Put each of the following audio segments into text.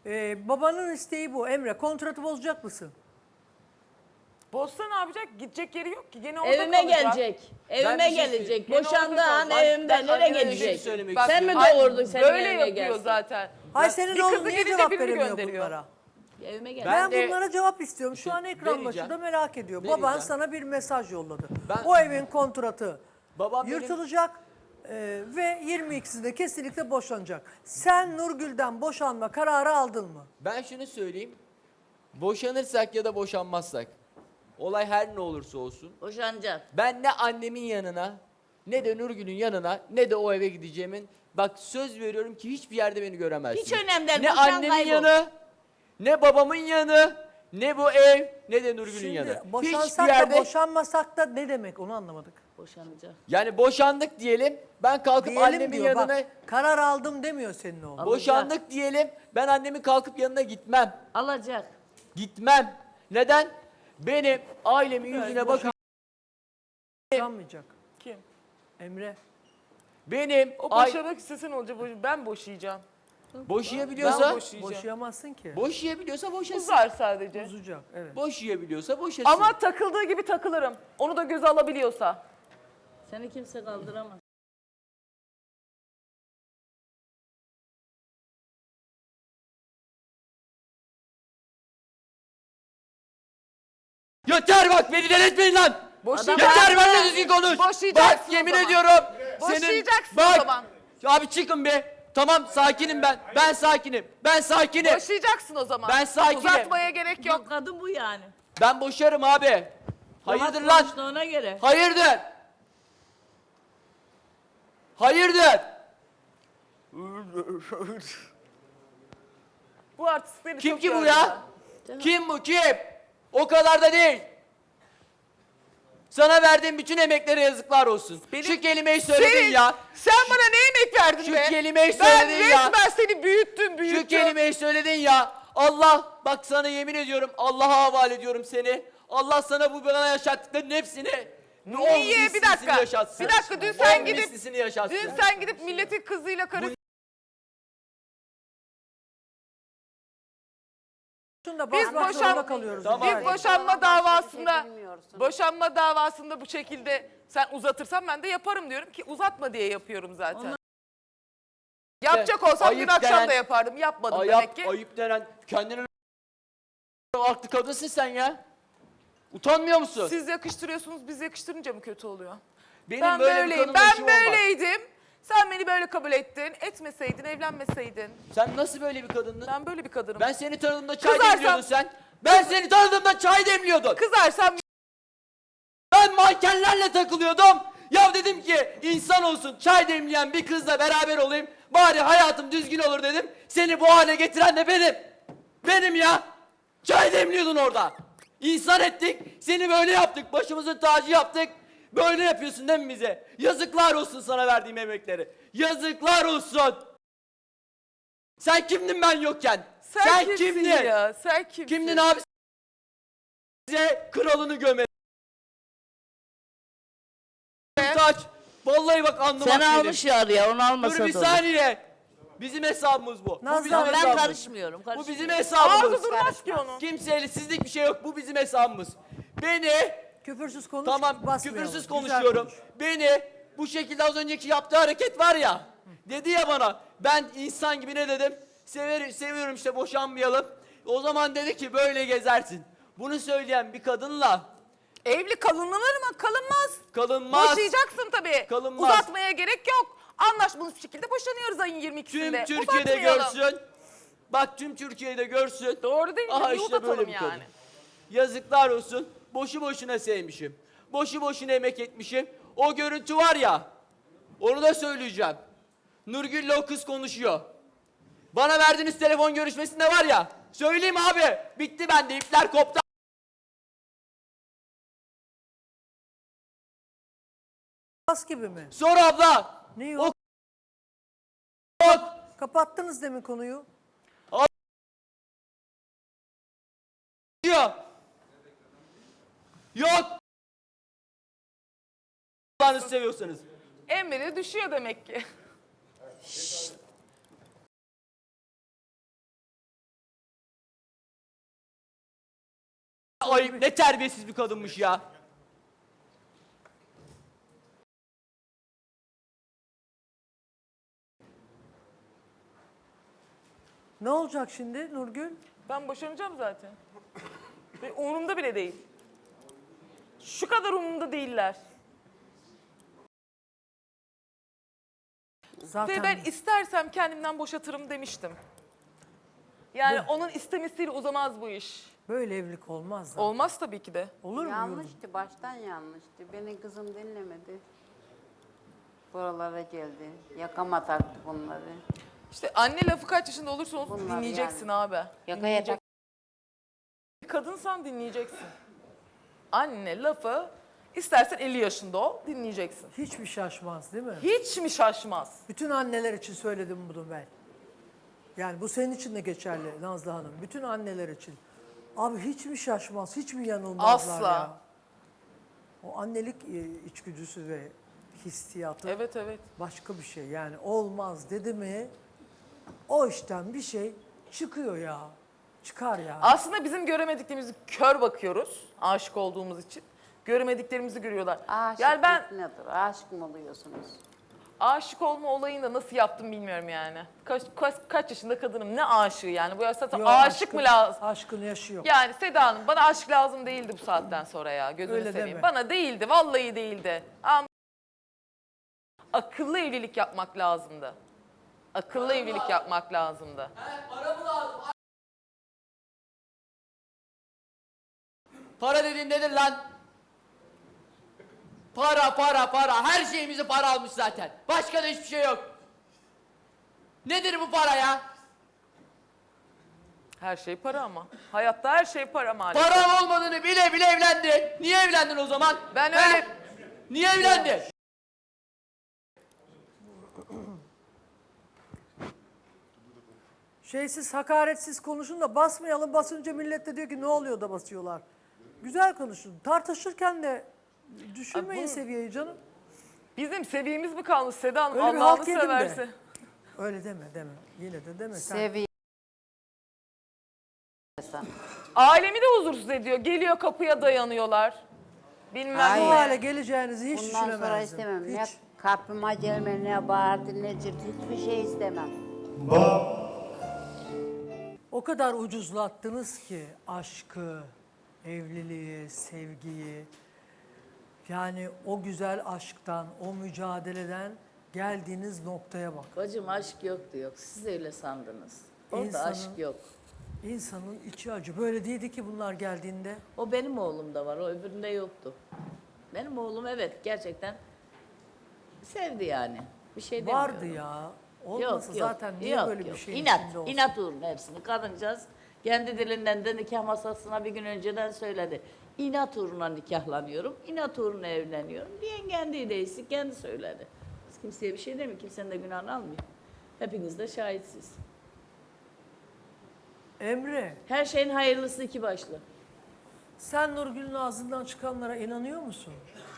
Babanın isteği bu. Emre, kontratı bozacak mısın? Bozsa ne yapacak? Gidecek yeri yok ki. Gene orada Evime kalacak. gelecek. Evime Ben bir şey gelecek. Gene Boşandığı orada an kalacak. evimde Ben nereye anneme bir şey gelecek? söylemek Bak, Sen mi istiyorum. doğurdun senin Böyle evime yapıyor gelsin? zaten. Hay senin bir oğlun kızı niye gelince cevap birini veremiyor gönderiyor. bunlara? Evime gel. Ben de- bunlara cevap istiyorum. Şu an ekran vereceğim. başında merak ediyor. Vereceğim. Baban sana bir mesaj yolladı. Ben- O evin kontratı Babam benim- yırtılacak ve 22'sinde kesinlikle boşanacak. Sen Nurgül'den boşanma kararı aldın mı? Ben şunu söyleyeyim. Boşanırsak ya da boşanmazsak, olay her ne olursa olsun, Boşanacak. ben ne annemin yanına, ne de Nurgül'ün yanına, ne de o eve gideceğimin, bak söz veriyorum ki hiçbir yerde beni göremezsin. Hiç önemli değil, Ne boşan, annemin kaybol. yanı, ne babamın yanı, ne bu ev, ne de Nurgül'ün yanı. Şimdi Hiçbir boşansak yerde, da boşanmasak da ne demek onu anlamadık. Boşanacak. yani boşandık diyelim, ben kalkıp Diyelim annemin diyor yanına, bak, karar aldım demiyor senin oğlun. Alacak. boşandık diyelim, ben annemin kalkıp yanına gitmem. Alacak. Gitmem. Neden? Benim ailemin yüzüne bakın. Boşanmayacak. Kim? Emre. Benim O boşamak istesen olacak. Ben boşayacağım. boşayabiliyorsa Ben boşayacağım. Boşayamazsın ki. boşayabiliyorsa boşasın. Uzar sadece. Bozacak. Evet. Boşayabiliyorsa boşasın. Ama takıldığı gibi takılırım. Onu da göze alabiliyorsa. Seni kimse kaldıramaz. yeter bak beni delirtmeyin lan. Boşayacaksın. Yeter benimle düzgün konuş. Boşayacaksın Bak o yemin zaman. ediyorum. Boşayacaksın bak. o zaman. Abi çıkın be. Tamam sakinim ben. Ben sakinim. Ben sakinim. Boşayacaksın o zaman. Ben sakinim. Uzatmaya gerek yok. Yok kadın bu yani. Ben boşarım abi. Hayırdır Rahat lan? konuştu ona göre. Hayırdır? Hayırdır? Bu artistleri Kim çok ki bu gördüm ya? ben. Kim bu kim? O kadar da değil. Sana verdiğim bütün emeklere yazıklar olsun. Şu kelimeyi söyledin ya. Sen bana ne emek verdin Şu be? kelimeyi Ben söyledin ya. resmen seni büyüttüm. Şu kelimeyi söyledin ya. Allah bak sana yemin ediyorum Allah'a havale ediyorum seni. Allah sana bu bana yaşattıkların hepsini Niye? Bir dakika. Yaşatsın. Bir dakika, dün sen 10 gidip- mislisini yaşatsın. Dün sen gidip milletin kızıyla karı... Şunda Biz basmak boşan- zorunda kalıyoruz. Tamam. Biz boşanma davasında bu şekilde sen uzatırsan ben de yaparım diyorum ki uzatma diye yapıyorum zaten. Yapacak olsam dün Ayıp akşam denen- da yapardım. Yapmadım demek ki. Ayıp denen kendine aklı kadınsın sen ya. Utanmıyor musun? Siz yakıştırıyorsunuz, biz yakıştırınca mı kötü oluyor? Benim Ben böyle bir böyleyim, kadınla işim ben olmaz. böyleydim. Sen beni böyle kabul ettin. Etmeseydin, evlenmeseydin. Sen nasıl böyle bir kadındın? Ben böyle bir kadınım. Ben seni tanıdığımda çay Kızarsam- demliyordun sen. Ben seni tanıdığımda çay demliyordun. Kızarsam Ben mankenlerle takılıyordum. Ya dedim ki insan olsun çay demleyen bir kızla beraber olayım. Bari hayatım düzgün olur dedim. Seni bu hale getiren de benim. Benim ya. Çay demliyordun orada. İnsan ettik. Seni böyle yaptık. Başımızın tacı yaptık. Böyle yapıyorsun değil mi bize? Yazıklar olsun sana verdiğim emekleri. Yazıklar olsun. Sen kimdin ben yokken? sen kimsin kimdin? ya? Sen kimsin? Kimdin abi? Size kralını gömer. Taç. Vallahi bak anlamak Sen benim. almış ya araya onu almasa Dur bir da olur. saniye. Bizim hesabımız bu. Nazlı, Bu bizim ben Ben hesabımız. karışmıyorum. Bu bizim Ağzı hesabımız. durmaz ki onun. Kimseyle sizlik bir şey yok. Bu bizim hesabımız. Beni Küfürsüz konuş. tamam basmayalım. küfürsüz Güzel konuşuyorum. konuş. Beni bu şekilde az önceki yaptığı hareket var ya. Dedi ya bana ben insan gibi ne dedim? Seviyorum işte boşanmayalım. O zaman dedi ki böyle gezersin. Bunu söyleyen bir kadınla Evli kalınır mı? Kalınmaz. kalınmaz. Boşayacaksın tabii. Kalınmaz. Uzatmaya gerek yok. Anlaşmalı bir şekilde boşanıyoruz ayın Tüm 22'sinde. Türkiye'de Uzatmayalım. görsün. Bak tüm Türkiye'de görsün. Doğru değil mi? Aha Niye işte uzatalım böyle bir kadın. yani? Yazıklar olsun. Boşu boşuna sevmişim. Boşu boşuna emek etmişim. O görüntü var ya. Onu da söyleyeceğim. Nurgül'le o kız konuşuyor. Bana verdiğiniz telefon görüşmesinde var ya. Söyleyeyim abi. Bitti bende. İpler koptu. Bas gibi mi? Sor abla. Ne O yok? yok. Kapattınız demin konuyu. Diyor. Yok. Allah'ını seviyorsanız. Emre düşüyor demek ki. ayıp, ne terbiyesiz bir kadınmış ya. Ne olacak şimdi Nurgül? Ben boşanacağım zaten. Ve umurumda bile değil. Şu kadar umurumda değiller. Zaten Ve ben istersem kendimden boşatırım demiştim. Yani onun istemesiyle uzamaz bu iş. böyle evlilik olmaz zaten. Olmaz tabii ki de. Olur mu? Yıldız? Yanlıştı, baştan yanlıştı. Beni kızım dinlemedi. Buralara geldi. Yakama taktı bunları. İşte anne lafı kaç yaşında olursa olsun Bunlar dinleyeceksin yani. abi. Yakaya tak. Kadınsan dinleyeceksin. Anne lafı istersen 50 yaşında ol dinleyeceksin. Hiçbir şaşmaz değil mi? Hiç mi şaşmaz? Bütün anneler için söyledim bunu ben. Yani bu senin için de geçerli Nazlı Hanım. Bütün anneler için. Abi hiç mi şaşmaz, hiç mi yanılmazlar Asla. ya? O annelik içgüdüsü ve hissiyatı Evet evet. başka bir şey. Yani olmaz dedi mi o işten bir şey çıkıyor ya. Çıkar ya. Aslında bizim göremediklerimizi kör bakıyoruz aşık olduğumuz için. Göremediklerimizi görüyorlar. Aşık Yani ben nedir? Aşık mı oluyorsunuz? aşık olma olayını da nasıl yaptım bilmiyorum yani. Kaç yaşında kadınım, ne aşığı yani. Bu yaşta Yo, aşık mı lazım? Aşkın yaşı yok. Yani Seda Hanım bana aşk lazım değildi bu saatten sonra ya. Gözünü Öyle seveyim. deme. Bana değildi, vallahi değildi. Ama akıllı evlilik yapmak lazımdı. Akıllı evlilik yapmak lazımdı. Para dediğin nedir lan? Para, para, para. Her şeyimizi para almış zaten. Başka da hiçbir şey yok. Nedir bu para ya? Her şey para ama. Hayatta her şey para maalesef. Param olmadığını bile bile evlendin. Niye evlendin o zaman? Ben He? öyle... Niye evlendin? Şeysiz, hakaretsiz konuşun da basmayalım. Basınca millet de diyor ki ne oluyor da basıyorlar. Güzel konuşun. Tartışırken de düşürmeyin Ay bu- seviyeyi canım. Bizim seviyemiz mi kalmış Seda Hanım? Öyle bir Allah'ını halk yedim de. severse. Öyle deme deme. Yine de deme sen. Seviye. Sen. Ailemi de huzursuz ediyor. Geliyor kapıya dayanıyorlar. Bilmem Bu Hayır. ne. hale geleceğinizi hiç Bundan sonra düşünemezdim. istemem. Ne Hiç. kapıma gelme, ne bağırdı, ne cırt. Hiçbir şey istemem. O kadar ucuzlattınız ki aşkı, evliliği, sevgiyi. Yani o güzel aşktan, o mücadeleden geldiğiniz noktaya bak. Bacım aşk yoktu yok. Siz öyle sandınız. Orada İnsanın- aşk yok. İnsanın içi acı. Böyle değildi ki bunlar geldiğinde. O benim oğlumda var. O öbüründe yoktu. Benim oğlum evet gerçekten sevdi yani. Bir şey demiyorum. Vardı ya. Olmasa zaten niye yok, böyle bir yok. şeyin İnat, içinde olsun? inat uğruna hepsini. Kadıncağız kendi dilinden de nikah masasına bir gün önceden söyledi. İnat uğruna nikahlanıyorum, inat uğruna evleniyorum diyen kendiydi, kendi söyledi. Biz kimseye bir şey demiyor, kimsenin de günahını almıyor. Hepiniz de şahitsiniz. Emre, Her şeyin hayırlısı iki başlı. sen Nurgül'ün ağzından çıkanlara inanıyor musun?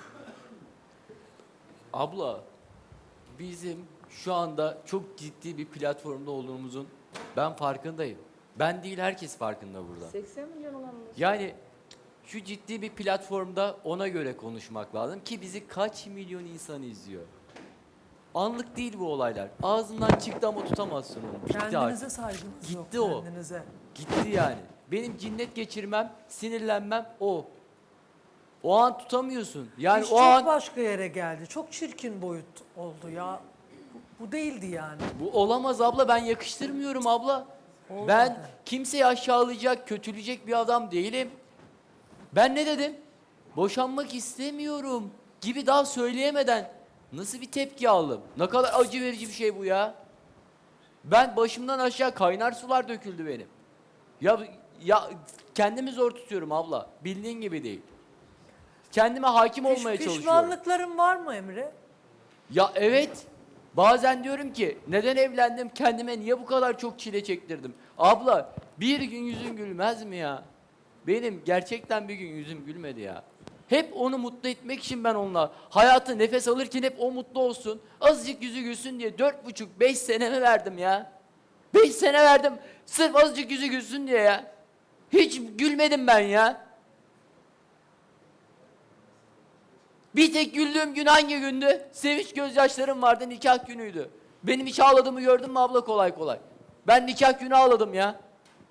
Abla, bizim şu anda çok ciddi bir platformda olduğumuzun ben farkındayım. Ben değil, herkes farkında burada. 80 milyon olan Yani şu ciddi bir platformda ona göre konuşmak lazım ki bizi kaç milyon insan izliyor. Anlık değil bu olaylar. Ağzından çıktı ama tutamazsın onu. Bitti Kendinize artık. saygınız yok. Gitti o. Kendinize. Gitti yani. Benim cinnet geçirmem, sinirlenmem o. O an tutamıyorsun. Yani İş o çok an başka yere geldi. Çok çirkin boyut oldu ya. Bu değildi yani. bu olamaz abla, ben yakıştırmıyorum abla. Olmadı. Ben kimseyi aşağılayacak, kötüleyecek bir adam değilim. Ben ne dedim? Boşanmak istemiyorum gibi daha söyleyemeden nasıl bir tepki aldım? Ne kadar acı verici bir şey bu ya. Ben başımdan aşağı kaynar sular döküldü benim. Ya kendimi zor tutuyorum abla. Bildiğin gibi değil. Kendime hakim olmaya çalışıyorum. Pişmanlıkların var mı Emre? Ya evet. Bazen diyorum ki neden evlendim, kendime niye bu kadar çok çile çektirdim? Abla bir gün yüzün gülmez mi ya? Benim gerçekten bir gün yüzüm gülmedi ya. Hep onu mutlu etmek için ben onunla hayatı nefes alırken hep o mutlu olsun. Azıcık yüzü gülsün diye 4,5-5 senemi verdim ya. 5 sene verdim sırf azıcık yüzü gülsün diye ya. Hiç gülmedim ben ya. Bir tek güldüğüm gün hangi gündü? Sevinç gözyaşlarım vardı, nikah günüydü. Benim hiç ağladığımı gördün mü abla kolay kolay? Ben nikah günü ağladım ya.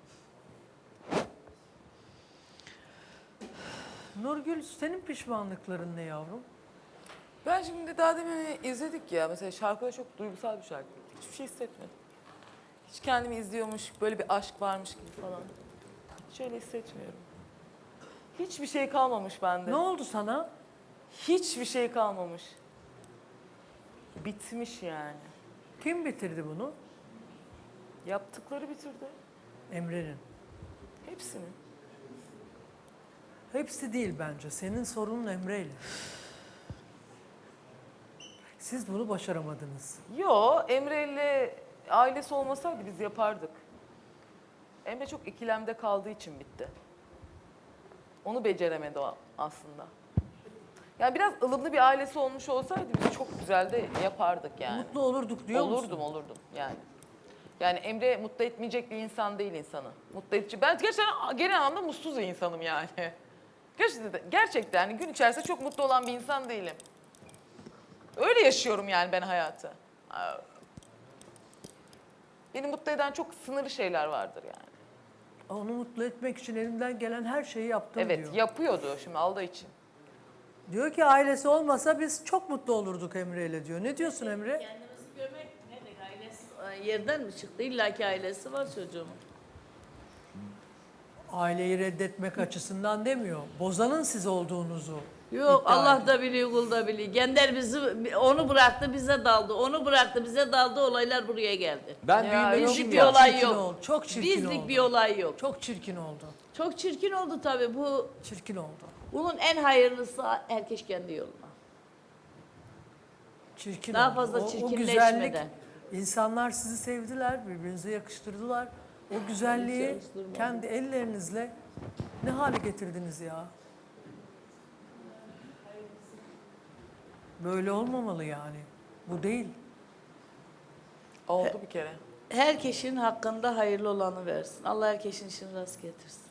Nurgül, senin pişmanlıkların ne yavrum? Ben şimdi daha demin izledik ya. Mesela şarkıda çok duygusal bir şarkı. Hiçbir şey hissetmedim. Hiç kendimi izliyormuş, böyle bir aşk varmış gibi falan. Hiç öyle hissetmiyorum. Hiçbir şey kalmamış bende. Ne oldu sana? Hiçbir şey kalmamış. Bitmiş yani. Kim bitirdi bunu? Yaptıkları bitirdi. Emre'nin. Hepsini. Hepsi değil bence. Senin sorunun Emre'yle. Siz bunu başaramadınız. Yo, Emre ile ailesi olmasaydı biz yapardık. Emre çok ikilemde kaldığı için bitti. Onu beceremedi o aslında. Yani biraz ılımlı bir ailesi olmuş olsaydı biz çok güzel de yapardık yani. Mutlu olurduk diyor musun? Olurdum yani. Yani Emre mutlu etmeyecek bir insan değil insanı. Mutlu edici. Ben gerçekten genel anlamda mutsuz bir insanım yani. Gerçekten yani gün içerisinde çok mutlu olan bir insan değilim. Öyle yaşıyorum yani ben hayatı. Beni mutlu eden çok sınırlı şeyler vardır yani. Onu mutlu etmek için elimden gelen her şeyi yaptım Evet diyor. yapıyordu şimdi aldığı için. Diyor ki ailesi olmasa biz çok mutlu olurduk Emre'yle diyor. Ne diyorsun Emre? Kendimizi görmek ne demek? Ailesi yerden mi çıktı? İlla ki ailesi var çocuğumun. Aileyi reddetmek açısından demiyor. Bozanın siz olduğunuzu. Yok iddia Allah ediyor. da biliyor, kul da biliyor. Gender bizi onu bıraktı bize daldı. Onu bıraktı bize daldı. Olaylar buraya geldi. Ben Ya, büyümemişim Bizlik bir ya. olay Çirkin yok. oldu, çok çirkin Bizlik oldu. bir olay yok. Çok çirkin oldu. Çok çirkin oldu tabii. Çirkin oldu. Bunun en hayırlısı herkes kendi yoluna. Çirkin Daha oldu. fazla O çirkinleşmeden. güzellik, insanlar sizi sevdiler, birbirinize yakıştırdılar. O güzelliği yakıştırmadı. kendi ellerinizle ne hale getirdiniz ya? Böyle olmamalı yani. Bu değil. Oldu bir kere. Herkesin hakkında hayırlı olanı versin. Allah herkesin işini rast getirsin.